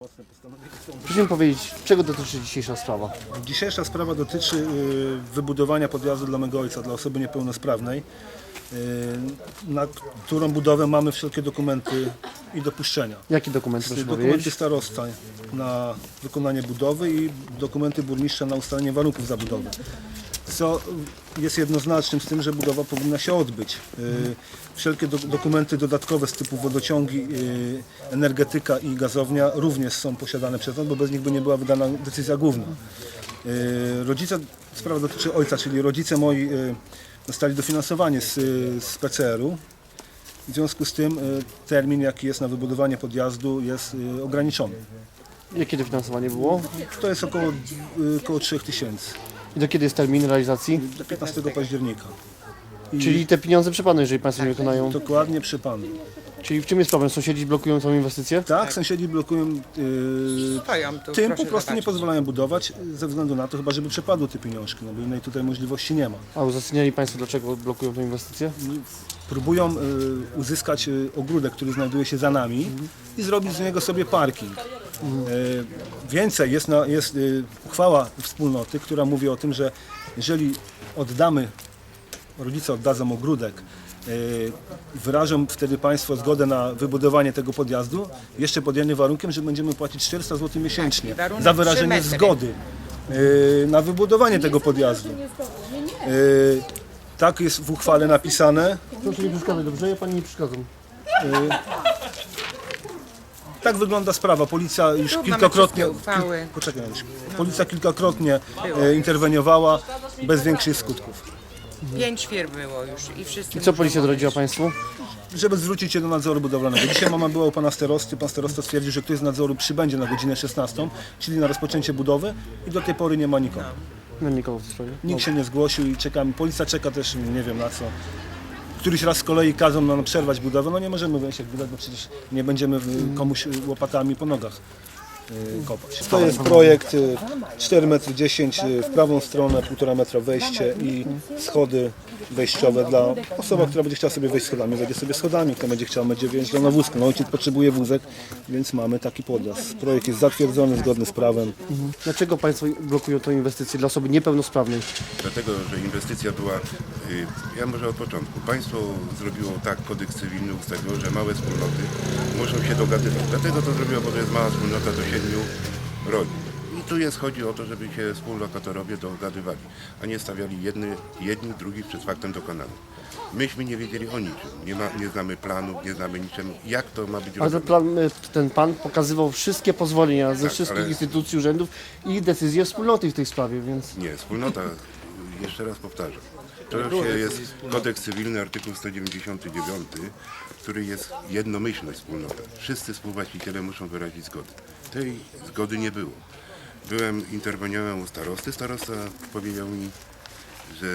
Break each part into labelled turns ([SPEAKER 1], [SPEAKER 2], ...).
[SPEAKER 1] Proszę mi powiedzieć, czego dotyczy dzisiejsza sprawa?
[SPEAKER 2] Dzisiejsza sprawa dotyczy wybudowania podjazdu dla mego ojca, dla osoby niepełnosprawnej, na którą budowę mamy wszelkie dokumenty i dopuszczenia.
[SPEAKER 1] Jaki dokument, proszę
[SPEAKER 2] Dokumenty
[SPEAKER 1] powiedzieć?
[SPEAKER 2] starosty na wykonanie budowy i dokumenty burmistrza na ustalenie warunków zabudowy. Co jest jednoznacznym z tym, że budowa powinna się odbyć. Wszelkie dokumenty dodatkowe z typu wodociągi, energetyka i gazownia również są posiadane przez nas, bo bez nich by nie była wydana decyzja główna. Rodzice, sprawa dotyczy ojca, czyli rodzice moi dostali dofinansowanie z PCR-u. W związku z tym termin, jaki jest na wybudowanie podjazdu, jest ograniczony.
[SPEAKER 1] Jakie dofinansowanie było?
[SPEAKER 2] To jest około 3000
[SPEAKER 1] I do kiedy jest termin realizacji?
[SPEAKER 2] do 15 października.
[SPEAKER 1] Czyli te pieniądze przy Panu, jeżeli Państwo nie wykonają.
[SPEAKER 2] Dokładnie przy panu.
[SPEAKER 1] Czyli w czym jest problem? Sąsiedzi blokują tą inwestycję?
[SPEAKER 2] Tak, sąsiedzi blokują
[SPEAKER 3] Stoją tu,
[SPEAKER 2] tym,
[SPEAKER 3] proszę
[SPEAKER 2] po prostu nie
[SPEAKER 3] zobaczyć. pozwalają
[SPEAKER 2] budować ze względu na to, chyba żeby przepadły te pieniążki, no bo innej tutaj możliwości nie ma.
[SPEAKER 1] A uzasadniali Państwo, dlaczego blokują tę inwestycję?
[SPEAKER 2] Próbują uzyskać ogródek, który znajduje się za nami i zrobić z niego sobie parking. Więcej, jest uchwała wspólnoty, która mówi o tym, że jeżeli rodzice oddadzą ogródek, wyrażą wtedy Państwo zgodę na wybudowanie tego podjazdu, jeszcze pod jednym warunkiem, że będziemy płacić 400 zł miesięcznie
[SPEAKER 3] warunek
[SPEAKER 2] za
[SPEAKER 3] 3
[SPEAKER 2] wyrażenie
[SPEAKER 3] metry.
[SPEAKER 2] zgody na wybudowanie tego podjazdu. Tak jest w uchwale napisane.
[SPEAKER 1] Proszę nie przeszkadzać, dobrze? Ja Pani nie przeszkadzam.
[SPEAKER 2] Tak wygląda sprawa. Policja już
[SPEAKER 3] Tu mamy
[SPEAKER 2] kilkakrotnie,
[SPEAKER 3] wszystkie uchwały.
[SPEAKER 2] poczekaj, Janusz. Policja kilkakrotnie interweniowała bez większych skutków.
[SPEAKER 3] 5 firm było już i wszyscy
[SPEAKER 1] I co
[SPEAKER 3] muszą
[SPEAKER 1] policja
[SPEAKER 3] odejść.
[SPEAKER 1] doradziła Państwu?
[SPEAKER 2] Żeby zwrócić się do nadzoru budowlanego. Dzisiaj mama była u pana starosty. Pan starosta stwierdził, że ktoś z nadzoru przybędzie na godzinę 16, czyli na rozpoczęcie budowy i do tej pory nie ma nikogo.
[SPEAKER 1] No nikogo w tej sprawie.
[SPEAKER 2] Nikt się nie zgłosił i czekamy. Policja czeka też, nie wiem na co. Któryś raz z kolei kazą nam przerwać budowę. No nie możemy wejść jak widać, bo przecież nie będziemy komuś łopatami po nogach kopać. To jest projekt 4,10 m w prawą stronę, 1,5 metra wejście i schody wejściowe dla osoby, która będzie chciała sobie wejść schodami, wejdzie sobie schodami, kto będzie chciał, będzie wjeżdżał na wózku. No ojciec potrzebuje wózek, więc mamy taki podjazd. Projekt jest zatwierdzony, zgodny z prawem.
[SPEAKER 1] Dlaczego Państwo blokują tę inwestycję dla osoby niepełnosprawnej?
[SPEAKER 4] Dlatego, że inwestycja była, ja może od początku, państwo zrobiło tak, kodeks cywilny ustaliło, że małe wspólnoty muszą się dogadywać. Dlatego to zrobiło, bo to jest mała wspólnota do 7 rodzin. I tu chodzi o to, żeby się współlokatorowie dogadywali, a nie stawiali jedni drugich przed faktem dokonanym. Myśmy nie wiedzieli o niczym, nie znamy planów, nie znamy niczym, jak to ma być
[SPEAKER 1] Ale
[SPEAKER 4] robione.
[SPEAKER 1] ten Pan pokazywał wszystkie pozwolenia ze
[SPEAKER 4] Tak,
[SPEAKER 1] wszystkich
[SPEAKER 4] ale-
[SPEAKER 1] instytucji, urzędów i decyzje wspólnoty w tej sprawie, więc...
[SPEAKER 4] Nie, wspólnota, jeszcze raz powtarzam, to jest kodeks cywilny, artykuł 199, który jest jednomyślność wspólnota. Wszyscy współwłaściciele muszą wyrazić zgodę. Tej zgody nie było. Interweniowałem u starosty, starosta powiedział mi, że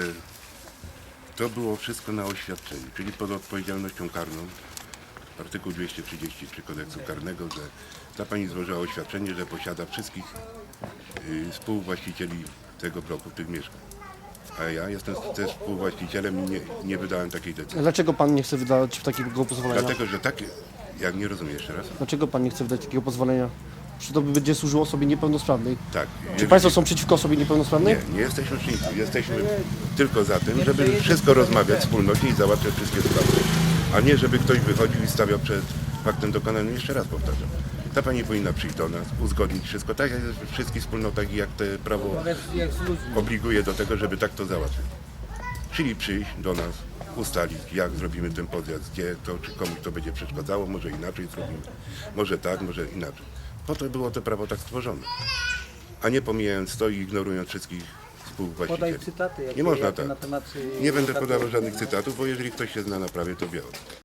[SPEAKER 4] to było wszystko na oświadczeniu, czyli pod odpowiedzialnością karną, artykuł 233 kodeksu karnego, że ta pani złożyła oświadczenie, że posiada wszystkich współwłaścicieli tego bloku, tych mieszkań. A ja jestem też współwłaścicielem i nie wydałem takiej decyzji.
[SPEAKER 1] A dlaczego Pan nie chce wydać takiego pozwolenia?
[SPEAKER 4] Dlatego, że takie, jak nie rozumiem jeszcze raz,
[SPEAKER 1] Dlaczego Pan nie chce wydać takiego pozwolenia? Czy to będzie służyło osobie niepełnosprawnej?
[SPEAKER 4] tak.
[SPEAKER 1] Czy Państwo są przeciwko osobie niepełnosprawnej?
[SPEAKER 4] Nie jesteśmy przeciwko. Jesteśmy tylko za tym, żeby wszystko rozmawiać wspólnocie i załatwiać wszystkie sprawy. A nie, żeby ktoś wychodził i stawiał przed faktem dokonanym. Jeszcze raz powtarzam. Ta pani powinna przyjść do nas, uzgodnić wszystko, tak jak jest w wszystkich wspólnotach i jak te prawo obliguje do tego, żeby tak to załatwić. Czyli przyjść do nas, ustalić, jak zrobimy ten podjazd, gdzie to, czy komuś to będzie przeszkadzało, może inaczej zrobimy, może tak, może inaczej. Po to było to prawo tak stworzone, a nie pomijając to i ignorując wszystkich współwłaścicieli.
[SPEAKER 5] Podaj cytaty,
[SPEAKER 4] Nie można
[SPEAKER 5] jakie
[SPEAKER 4] tak.
[SPEAKER 5] na temat...
[SPEAKER 4] Nie będę podawał żadnych cytatów, bo jeżeli ktoś się zna na prawie, to wie o tym.